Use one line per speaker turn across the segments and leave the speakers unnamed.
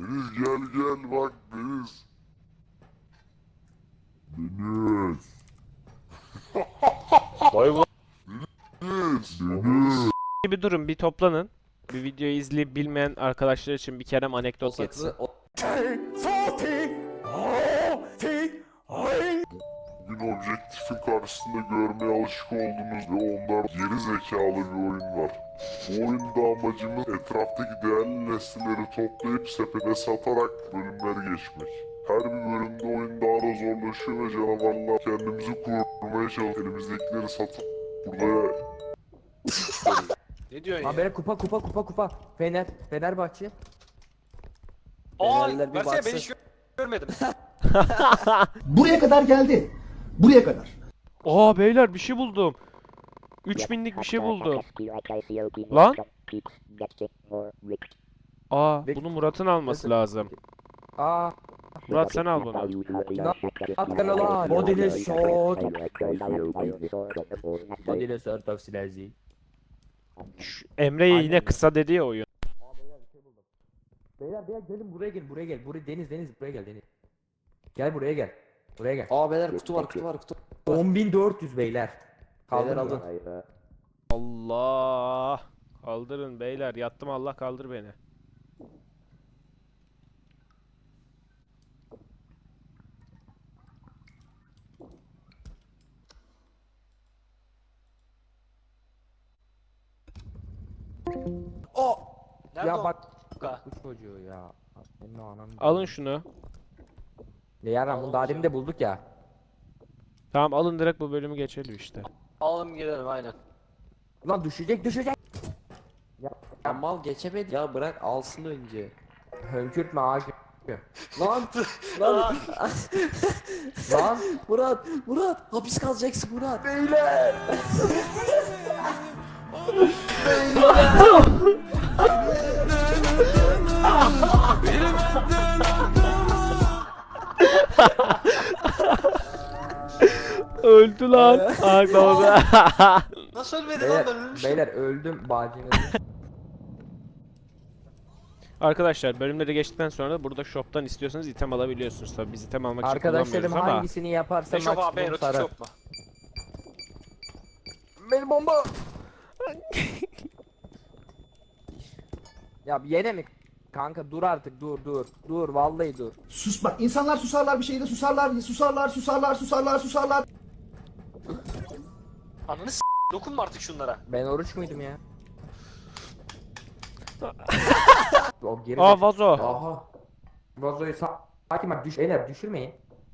Deniz gel gel bak Deniz. Deniz.
Vay ulan.
Deniz. Deniz.
Bir durun, bir toplanın. Bir videoyu izleyip bilmeyen arkadaşlar için bir Kerem anekdot geçsin.
Bugün objektifin karşısında görmeye alışık olduğumuz ve onlar geri zekalı bir oyun var. Bu oyunda amacımız etraftaki değerli nesneleri toplayıp sepete satarak bölümleri geçmek. Her bir bölümde oyun daha da zorlaşıyor ve canavarlar kendimizi korumaya çalışıyoruz. Elimizdekileri satıp burada
Ne diyorsun
Ha
ya?
böyle kupa. Fenerbahçe.
Aa,
Fenerliler bir
versene ben
baksın.
hiç görmedim.
Buraya kadar geldi. Buraya kadar.
Aa beyler, bir şey buldum. 3000'lik bir şey buldum. Lan? Aa, bunu Murat'ın alması lazım.
Aa.
Murat sen al bunu.
At kanala. Bodile shot. Bodile shot of Silesi.
Emre'ye yine kısa dedi ya oyun.
Beyler gelin buraya gel. Buraya Deniz buraya gel Deniz. Gel buraya gel. Buraya gel.
Aa beyler kutu var.
10.400 beyler. Kaldır
Beyler
alın.
Allah. Kaldırın beyler. Yattım, Allah kaldır beni.
Nerede
Ya
o?
bak.
Ka-
Bu çocuğu ya. Senin o ananı.
Alın şunu.
Ya yaran bunu daha demin de bulduk ya.
Tamam, alın direkt bu bölümü geçelim işte.
Alalım gidelim aynen.
Lan düşecek.
Ya mal geçemedi ya bırak alsın önce.
Hönkürtme ağacı.
Lan lan
Lan.
Murat hapis kalacaksın Murat.
Öldü lan. Ay baba.
Nasıl ölmedi lan ben
Beyler,
ölmüştüm.
beyler öldüm bacını.
Arkadaşlar, bölümleri geçtikten sonra da burada shop'tan istiyorsanız item alabiliyorsunuz. Tabii biz item almak için
Arkadaşlarım
kullanmıyoruz ama.
hangisini yaparsa
Eşof abi
maksimum
erotik
sarar.
yok mu?
Benim bomba. Ya yine mi? Kanka dur artık dur vallahi dur.
Sus bak. İnsanlar susarlar bir şeyde susarlar.
Ananı dokunma artık şunlara.
Ben oruç muydum ya? O geri
Aa, vazo.
Aha.
vazoyu sakin bak beyler düşürmeyin.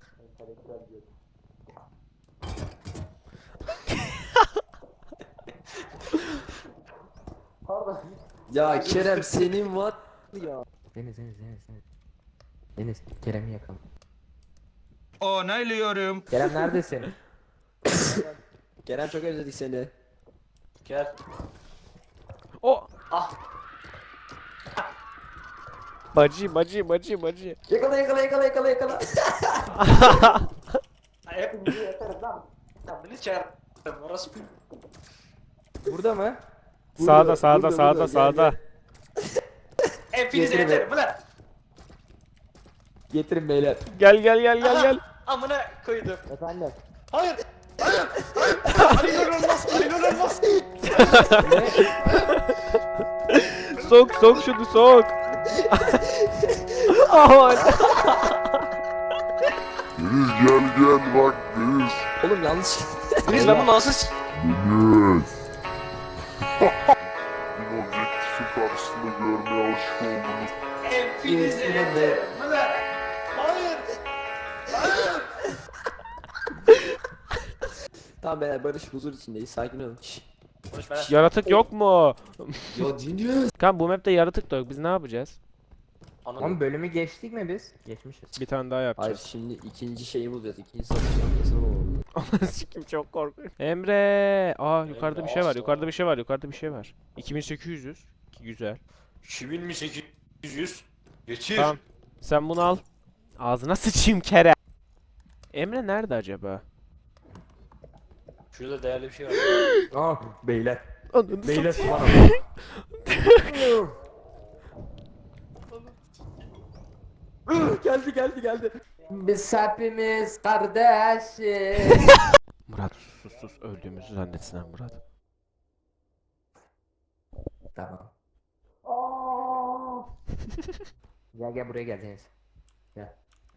Ya Kerem senin var ya.
Deniz. Deniz Kerem'i yakalım.
Onaylıyorum.
Kerem neredesin?
Kerem çok özledik seni.
Gel.
O.
Ah.
Bacı.
Yakala.
Hepimizi yatarım lan. Ya beni çağır. Orası
Burada mı?
Sağda.
hepinizi
Getirin.
yatarım ulan.
Getirin beyler.
Gel.
Amına koydum.
Efendim.
Hayır. Ali Nur olmaz.
Sok şunu sok. Aman.
Deniz gel bak Deniz.
Oğlum yanlış.
Biz ben bunu nasıl
Deniz. Bugün objektifin karşısında görmeye alışık olduğumuz
hepinizi yatarım ulan. Hayır.
Tamam beyler barış huzur içindeyiz sakin olun.
Konuş bana.
Yaratık yok mu?
Ya dinliyoruz.
Kan bu map'te yaratık da yok. Biz ne yapacağız?
Ananı.
Oğlum bölümü geçtik mi biz? Geçmişiz.
Bir tane daha
Hayır
yapacağız.
şimdi ikinci şeyi bulacağız. İkinci satış noktasını bulalım.
Sikim çok korkuyorum. Emre. Aa, yukarıda bir şey var. Yukarıda bir şey var. 2800. Güzel.
2800. Geçir.
Tamam. Sen bunu al. Ağzına sıçayım Kerem. Emre nerede acaba?
Şurada değerli bir şey var.
Aa beyler.
Ananı
Beyler
satayım.
bana. Geldi. Biz hepimiz kardeşiz.
Murat sus öldüğümüzü zannetsinler Murat.
Tamam. Gel buraya gel Deniz. Gel.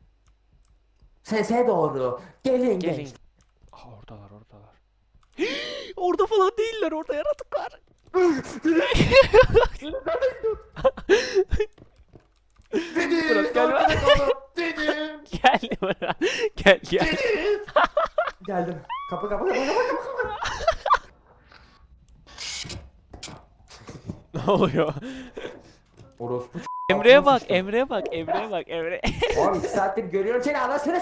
Sese doğru. Gelin.
Gelin. Aa, oradalar. Orada falan değiller, orada yaratıklar. Murat gel. Gel Murat. Gel.
Geldim. Kapı.
Ne oluyor?
Orospu
Emre'ye bak. Emre.
Oğlum 2 saattir görüyorum seni anasını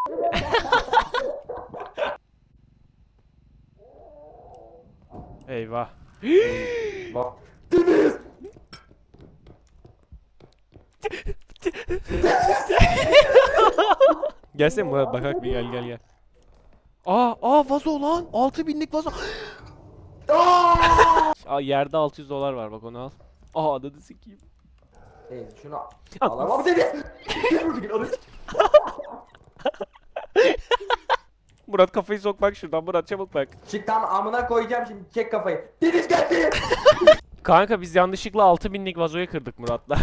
Eyvah.
Bak.
Gelsene Murat bakak bir gel. Aa vazo lan. 6000'lik vazo. Aa yerde $600 var, bak onu al. Aa ananı sikeyim.
Neyse şunu alamam dedi.
Murat kafayı sok bak şuradan, Murat çabuk bak.
Çık tam amına koyacağım şimdi çek kafayı. Deniz geldi.
Kanka biz yanlışlıkla 6000'lik vazoyu kırdık Murat'la.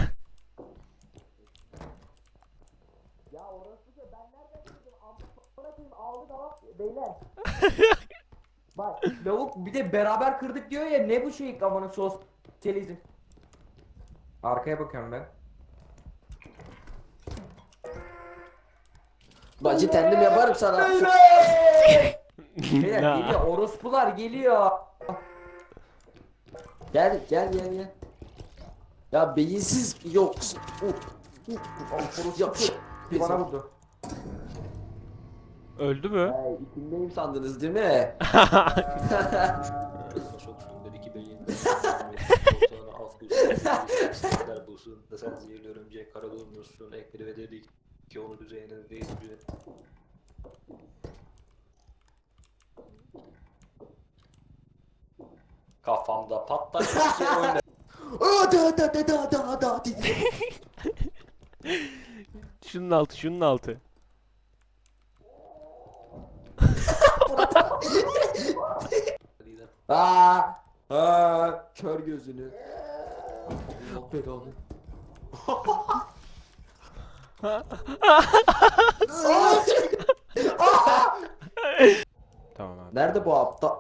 Bak lavuk bir de beraber kırdık diyor ya ne bu şey amanın sosyalizm. Arkaya bakıyorum ben.
Bacı kendim yaparım sana.
Beyler
Ya.
geliyor orospular geliyor.
Gel. Ya beyinsiz yok.
Bana vurdu.
Öldü mü?
İçindeyim sandınız değil mi?
Çok sünder iki beyin. Sonra alt bulsun. Bulsun. Da sen zehirli örümcek kara bulmuşsun. Ekleri ve dedik ki onu düzeyine değil. Kafamda patlak bir şey oynar.
Şunun altı.
Kör gözünü. Allah belanı.
Tamam abi.
Nerede bu aptal?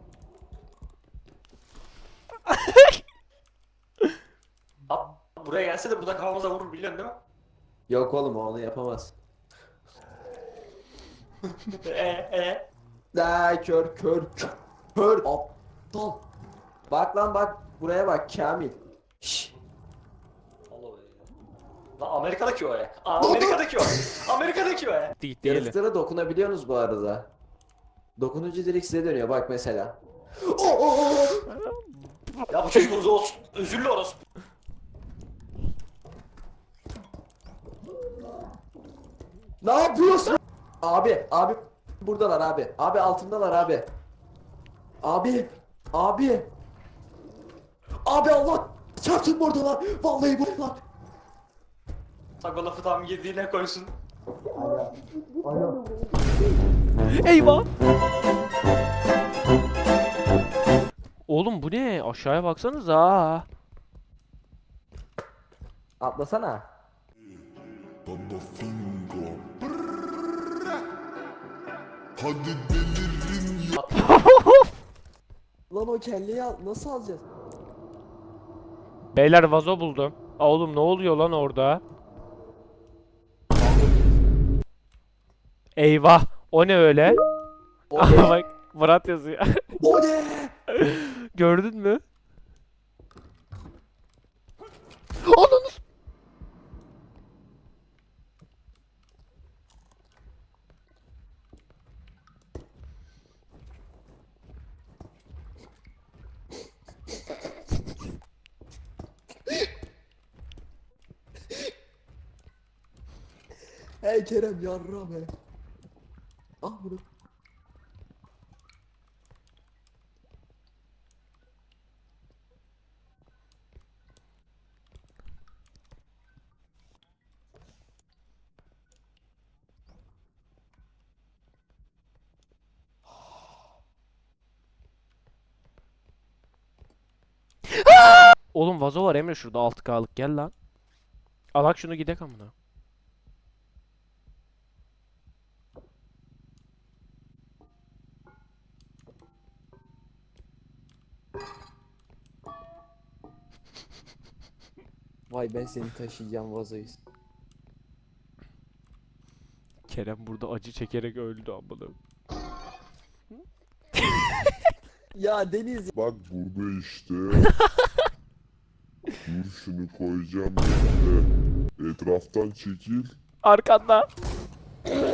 Abi buraya gelse de burada kafamıza vurur biliyorsun değil mi?
Yok oğlum o onu yapamaz. Kör aptal. Bak lan bak buraya bak Kamil. Şşş.
Allah be. Lan Amerika'daki o ya. Amerika'daki o. Amerika'daki o ya.
Gitti eli.
Yaratıklara dokunabiliyorsunuz bu arada. Dokununca direkt size dönüyor bak mesela.
Ya bu çocuğumuz olsun. Özürlü orası.
Ne yapıyorsun? Abi buradalar abi. Abi altındalar abi. Abi Allah çarpsın buradalar. Vallahi buradalar.
Bak o lafı tam yediğine koysun.
Eyvah. Oğlum bu ne? Aşağıya baksanıza.
Atlasana.
Baba Fingo. Hadi delirin ya.
Lan o kelleyi nasıl alacağız?
Beyler vazo buldum. Aa, oğlum ne oluyor lan orada? Eyvah. O ne öyle?
O
Aha
ne?
bak Murat yazıyor.
O ne?
Gördün mü? Ananı s-
Hey Kerem yarra be. Ah bunu.
Oğlum vazo var Emre şurada 6K'lık gel lan. Alak şunu gidek amına.
Vay ben seni taşıyacağım vazoyu.
Kerem burada acı çekerek öldü amına.
Ya Deniz.
Bak burada işte. Dur şunu koyacağım yerine. Etraftan çekil.
Arkanda.